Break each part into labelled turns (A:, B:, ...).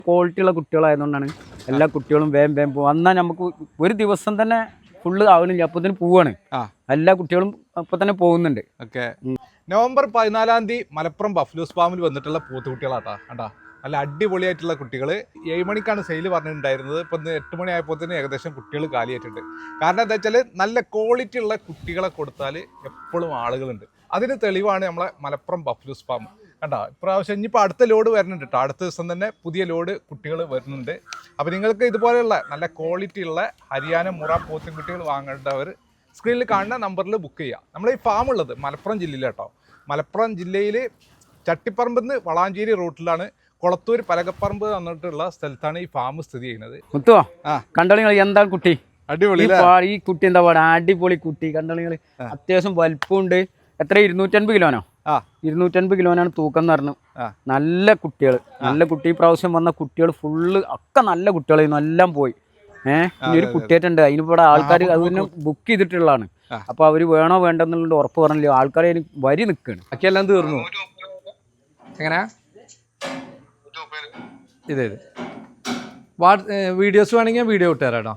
A: ക്വാളിറ്റിയുള്ള കുട്ടികളായതുകൊണ്ടാണ് എല്ലാ കുട്ടികളും വേഗം വേഗം പോകും. എന്നാൽ നമുക്ക് ഒരു ദിവസം തന്നെ ഫുള്ള് ആവണില്ല, അപ്പത്തിന് പോവാണ്. എല്ലാ കുട്ടികളും അപ്പൊ തന്നെ പോകുന്നുണ്ട്.
B: ഓക്കെ. നവംബർ 14 തീയതി മലപ്പുറം ബഫ്ലൂസ് ഫാമിൽ വന്നിട്ടുള്ള പോത്തുകുട്ടികളാട്ടാ. കണ്ടാ നല്ല അടിപൊളിയായിട്ടുള്ള കുട്ടികൾ. 7 മണിക്കാണ് സെയിൽ പറഞ്ഞിട്ടുണ്ടായിരുന്നത്. ഇപ്പം 8 മണി ആയപ്പോൾ തന്നെ ഏകദേശം കുട്ടികൾ കാലിയായിട്ടുണ്ട്. കാരണം എന്താ വെച്ചാൽ നല്ല ക്വാളിറ്റി ഉള്ള കുട്ടികളെ കൊടുത്താൽ എപ്പോഴും ആളുകളുണ്ട്. അതിന് തെളിവാണ് നമ്മളെ മലപ്പുറം ബഫ്ലൂസ് ഫാം. കണ്ടോ, ഇപ്രാവശ്യം ഇനിയിപ്പോൾ അടുത്ത ലോഡ് വരുന്നുണ്ട് കേട്ടോ. അടുത്ത ദിവസം തന്നെ പുതിയ ലോഡ് കുട്ടികൾ വരുന്നുണ്ട്. അപ്പോൾ നിങ്ങൾക്ക് ഇതുപോലെയുള്ള നല്ല ക്വാളിറ്റി ഉള്ള ഹരിയാന മുറ പോത്തുകുട്ടികൾ വാങ്ങേണ്ടവർ സ്ക്രീനിൽ കാണുന്ന നമ്പറിൽ ബുക്ക് ചെയ്യുക. നമ്മൾ ഈ ഫാം ഉള്ളത് മലപ്പുറം ജില്ലയിൽ കേട്ടോ. മലപ്പുറം ജില്ലയിൽ ചട്ടിപ്പറമ്പിൽ നിന്ന് വളാഞ്ചേരി റൂട്ടിലാണ്. കൊളത്തൂർ പലകപ്പറമ്പ് എന്നിട്ടുള്ള സ്ഥലത്താണ് ഈ ഫാം സ്ഥിതി ചെയ്യുന്നത്.
A: കണ്ടോളിങ്ങൾ എന്താ കുട്ടി
B: അടിപൊളി.
A: ഈ കുട്ടി എന്താ പാടാ, അടിപൊളി കുട്ടി. കണ്ടോളിങ്ങൾ അത്യാവശ്യം വലിപ്പമുണ്ട്. എത്ര 250 കിലോനോ? 250 കിലോനാണ് തൂക്കം എന്ന് പറഞ്ഞു. നല്ല കുട്ടികൾ, നല്ല കുട്ടി. പ്രാവശ്യം വന്ന കുട്ടികൾ ഫുള്ള് ഒക്കെ നല്ല കുട്ടികളായിരുന്നു. എല്ലാം പോയി. ഇനി ഒരു കുട്ടിയായിട്ടുണ്ട്. അതിനിവിടെ ആൾക്കാർ അതിന് ബുക്ക് ചെയ്തിട്ടുള്ളതാണ്. അപ്പൊ അവര് വേണോ വേണ്ടെന്നുള്ള ഉറപ്പ് പറഞ്ഞില്ല. ആൾക്കാരെ വരി നിൽക്കുകയാണ്. ബാക്കിയെല്ലാം തീർന്നു.
C: എങ്ങനെയാ ഇത് വീഡിയോസ് വേണമെങ്കിൽ വീഡിയോ ഇട്ടുതരാം കേട്ടോ.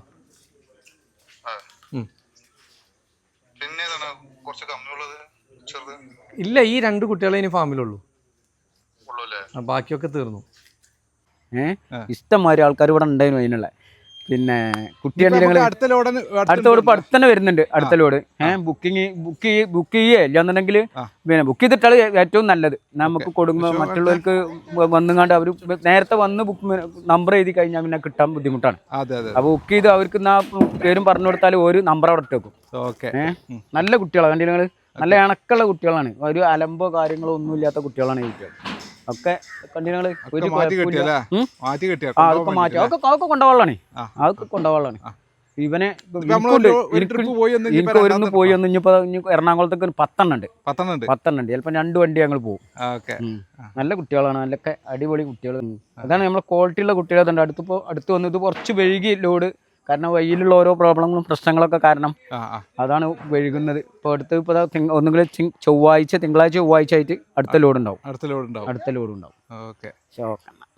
C: ഇല്ല, ഈ 2 കുട്ടികളെ ഇനി ഫാമിലുള്ളൂ. ബാക്കിയൊക്കെ തീർന്നു.
A: ഇഷ്ടംമാതിരി ആൾക്കാർ ഇവിടെ ഉണ്ടായിരുന്നു അതിനുള്ള. പിന്നെ കുട്ടിയാണെങ്കിൽ അടുത്ത ലോഡ് ഇപ്പൊ അടുത്ത് തന്നെ വരുന്നുണ്ട്. അടുത്ത ലോഡ് ബുക്ക് ചെയ്യേ ഇല്ലാന്നുണ്ടെങ്കിൽ പിന്നെ ബുക്ക് ചെയ്തിട്ടാണ് ഏറ്റവും നല്ലത്. നമുക്ക് കൊടുക്കുമ്പോൾ മറ്റുള്ളവർക്ക് വന്നുകൊണ്ട് അവർ നേരത്തെ വന്ന് നമ്പർ എഴുതി കഴിഞ്ഞാൽ പിന്നെ കിട്ടാൻ ബുദ്ധിമുട്ടാണ്. അപ്പൊ ബുക്ക് ചെയ്ത് അവർക്ക് പേരും പറഞ്ഞു കൊടുത്താൽ ഒരു നമ്പർ അവിടെ ഇട്ടേക്കും. നല്ല കുട്ടികളാണ്. കണ്ടില്ല, നല്ല ഇണക്കുള്ള കുട്ടികളാണ്. ഒരു അലമ്പോ കാര്യങ്ങളോ ഒന്നും ഇല്ലാത്ത കുട്ടികളാണ് ഈ കുട്ടികൾ ഒക്കെ. കണ്ടിങ്ങള് ഒരു അതൊക്കെ മാറ്റി അതൊക്കെ കൊണ്ടുപോകാനാണ്. അതൊക്കെ കൊണ്ടുപോകാനാണ്. ഇവനെ എനിക്ക് ഒരുന്ന് പോയി ഒന്ന് ഇനിയിപ്പോ എറണാകുളത്തേക്ക് 10 ഉണ്ട്. ചിലപ്പോ 2 വണ്ടി ഞങ്ങൾ പോകും. നല്ല കുട്ടികളാണ്, നല്ലൊക്കെ അടിപൊളി കുട്ടികൾ. അതാണ് നമ്മളെ ക്വാളിറ്റി ഉള്ള കുട്ടികൾ. അടുത്ത് വന്ന് ഇത് കുറച്ച് വൈകി ലോഡ്. കാരണം വഴിയിലുള്ള ഓരോ പ്രോബ്ലങ്ങളും പ്രശ്നങ്ങളൊക്കെ കാരണം അതാണ് വൈകുന്നത്. ഇപ്പോൾ ഒന്നുകിൽ തിങ്കളാഴ്ച ചൊവ്വാഴ്ച ആയിട്ട് അടുത്ത ലോഡ് ഉണ്ടാവും.
B: അടുത്ത ലോഡ് ഉണ്ടാവും.
A: ഓക്കെ.